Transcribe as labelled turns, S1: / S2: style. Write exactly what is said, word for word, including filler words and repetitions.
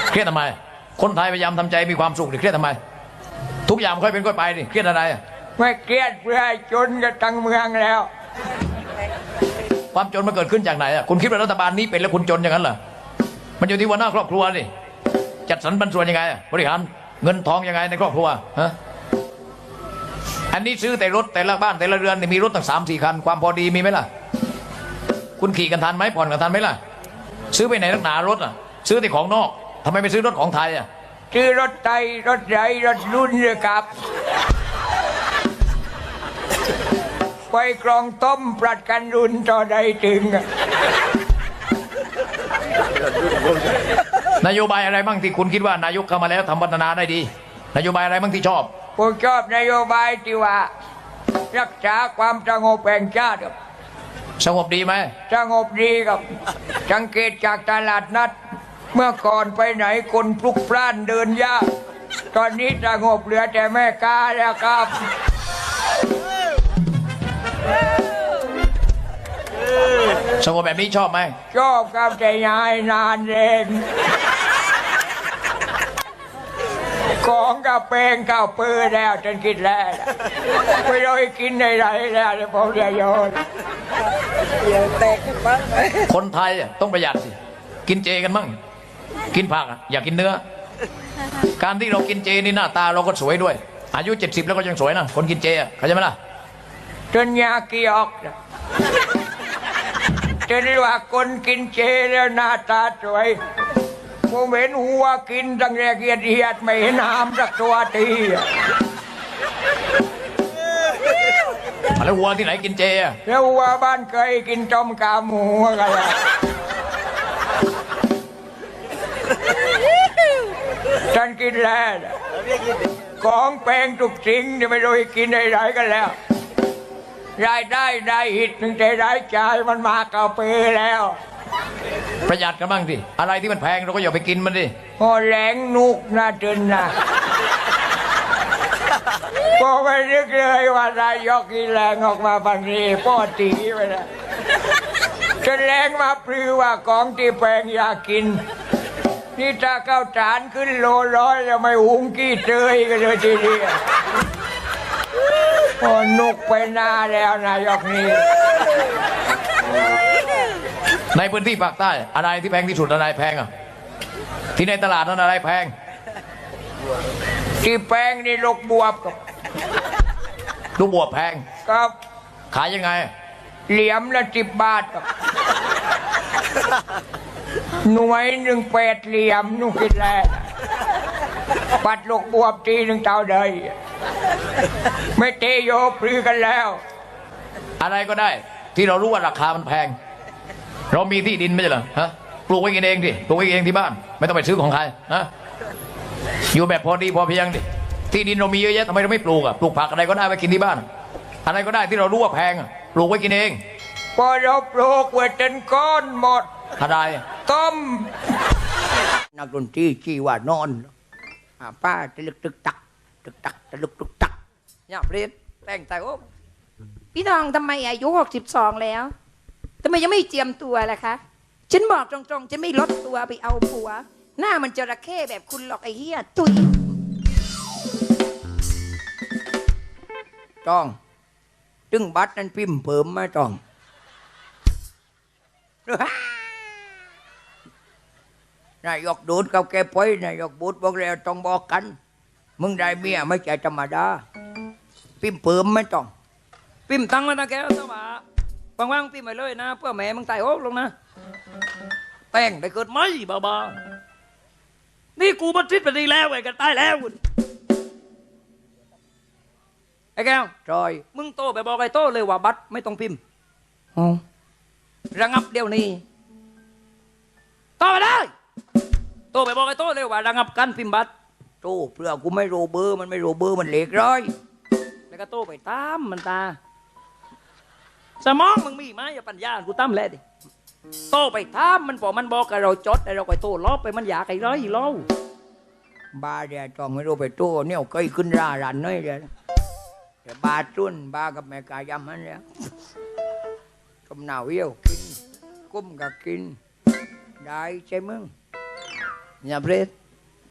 S1: เครียดทำไมคนไทยพยายามทำใจมีความสุขดิเครียดทำไมทุกอย่างค่อยเป็นค่อยไปดิเครียดอะไร
S2: ไม่เครียดเพื่อจนกันทั้งเมืองแล้ว
S1: ความจนมันเกิดขึ้นจากไหนอ่ะคุณคิดว่ารัฐบาลนี้เป็นแล้วคุณจนอย่างนั้นเหรอมันอยู่ที่หัวหน้าครอบครัวดิจัดสรรปันส่วนยังไงบริหารเงินทองยังไงในครอบครัวฮะอันนี้ซื้อแต่รถแต่ละบ้านแต่ละเรือนมีรถตั้งสามสี่คันความพอดีมีไหมล่ะคุณขี่กันทันไหมผ่อนกันทันไหมล่ะซื้อไปไหนนักหนารถอ่ะซื้อแต่ของนอกทำไมไปซื้อรถของไทยอ่ะ
S2: ซื้อรถไทยรถใหญ่รถรุ่นเลยครับไปกรองต้มปรัดกันรุ่นต่อใดถึง
S1: นโยบายอะไรบ้างที่คุณคิดว่านายกเข้ามาแล้วทำพัฒนาได้ดีนโยบายอะไรบ้างที่ชอบ
S2: ผมชอบนโยบายที่ว่ารักษาความสงบแห่งชาติครับ
S1: สงบดีไหม
S2: สงบดีครับสังเกตจากตลาดนัดเมื่อก่อนไปไหนคนพลุกพล่านเดินยากตอนนี้สงบเหลือแต่แม่ค้าแล้วครับ
S1: สงบแบบนี้ชอบไหม
S2: ชอบครับแต่ยายนานเองของกับเพลงกับปืนแล้วจนคิดแล้วไม่รู้กินในไรแล้วผมจะโยน
S1: คนไทยต้องประหยัดสิกินเจกันมั่งกินผักอยากกินเนื้อการที่เรากินเจนี่หน้าตาเราก็สวยด้วยอายุเจ็ดสิบแล้วก็ยังสวยนะคนกินเจเข้าใจไหมล่ะ
S2: จนยากีออกจะเรียกว่าคนกินเจแล้วหน้าตาสวยผมเห็นหัวกินตั้งแต่เกียดเหียดไม่เห็นหามสักตัวที
S1: แล้ววัวที่ไหนกินเจอะ
S2: แล้ววัวบ้านเคยกินต้มกาหมูกันละฉันกินแล้วของแพงทุกสิ่งที่ไม่รู้กินได้ไรกันแล้วรายได้ได้หิตหนึ่งแต่รายจ่ายมันมากเก่าไปแล้ว
S1: ประหยัดกันบ้างสิอะไรที่มันแพงเราก็อย่าไปกินมันดิ
S2: พอแหลงนุกน่าจนนะพอไม่นึกเลยว่านายกกินแรงออกมาบางทีพ่อตีไปแล้วจะแรงมาปลือว่าของที่แพงอยากกินนี่ถ้าข้าวสารขึ้นโลร้อยจะไม่หุงกี้เจยกันเลยทีเดียวพอนุกไปหน้าแล้วนายกนี่
S1: ในพื้นที่ภาคใต้อะไรที่แพงที่สุดอะไรแพงอ่ะที่ในตลาดนั้นอะไรแพง
S2: ที่แพงนี่ลูกบวบกับ
S1: ลูกบวบแพง
S2: ครับ
S1: ขายยังไง
S2: เหลี่ยมละสิบบาทครับหน่วยหนึ่งแปดเหลี่ยมนุ่งกินแล้วปัดลูกบวบทีหนึ่งเท่าใดไม่เตโยปลือกันแล้ว
S1: อะไรก็ได้ที่เรารู้ว่าราคามันแพงเรามีที่ดินไม่ใช่เหรอฮะปลูกไว้กินเองดิปลูกไว้เองที่บ้านไม่ต้องไปซื้อของใครนะอยู่แบบพอดีพอเพียงดิที่ดินเรามีเยอะแยะทำไมเราไม่ปลูกอ่ะปลูกผักอะไรก็ได้ไว้กินที่บ้านอะไรก็ได้ที่เรารู้ว่าแพงอ่ะปลูกไว้กินเอง
S2: พอเราปลูกไว้จนก้อนหมด
S1: อะไร
S2: ต้มนักดนตรีชี้ว่านอนป้าตะลึกตึกตักตึกตักตะลึกตึกตักเนี่ยเปลี่ยนแต่งใจโอ้
S3: พี่น้องทำไมอายุหกสิบสองแล้วทำไมยังไม่เจียมตัวล่ะคะฉันบอกตรงๆฉันไม่ลดตัวไปเอาผัวหน้ามันจระเข้แบบคุณหรอกไอ้เหี้ยตุย
S2: จ้องตึงบัตรนั้นพิมพ์เพิ่มมาจ้องนายกดูดเขาแกไปนายกบูดบอกแล้วต้องบอกกันมึงได้เมียไม่ใช่ธรรมดาพิมพ์เพิ่มไม่จ้อง
S4: พิมพ์ตั้งแล้วนะแกสว่าว่างๆพิมพ์ไปเลยนะเพื่อแม่มึงตายโอ๊กลงนะแต่งได้เกิดไหมบ้าๆนี่กูบันทิดไปดีแล้วไอ้กันตายแล้วไอ้แก้ว
S2: จอย
S4: มึงโตไปบอกไอ้โตเลยว่าบัตรไม่ต้องพิมพ์อ๋อระงับเดี๋ยวนี้โตไปได้โตไปบอกไอ้โตเลยว่าระงับการพิมพ์บัตร
S2: โตเพื่อกูไม่รู้เบอร์มันไม่รู้เบอร์มันเล็กร้อย
S4: แล้วก็โตไปตามมันตาสมองมึงมีไหมอย่าปัญญากูตั้มแหละดิโตไปตามมันพอมันบอกกับเราจดแต่เราไปโตล้อไปมันอยากไอ้ร้อยเล่า
S2: บ้าเดี๋ยวจองไม่รู้ไปโตเนี่ยเคยขึ้นรารันน้อยเดียวแต่บ้าจุนบ้ากับแม่กายำมันแล้วกำหนาวเยี่ยวกินกุ้มกับกินได้ใช่มึงอย่าเปรต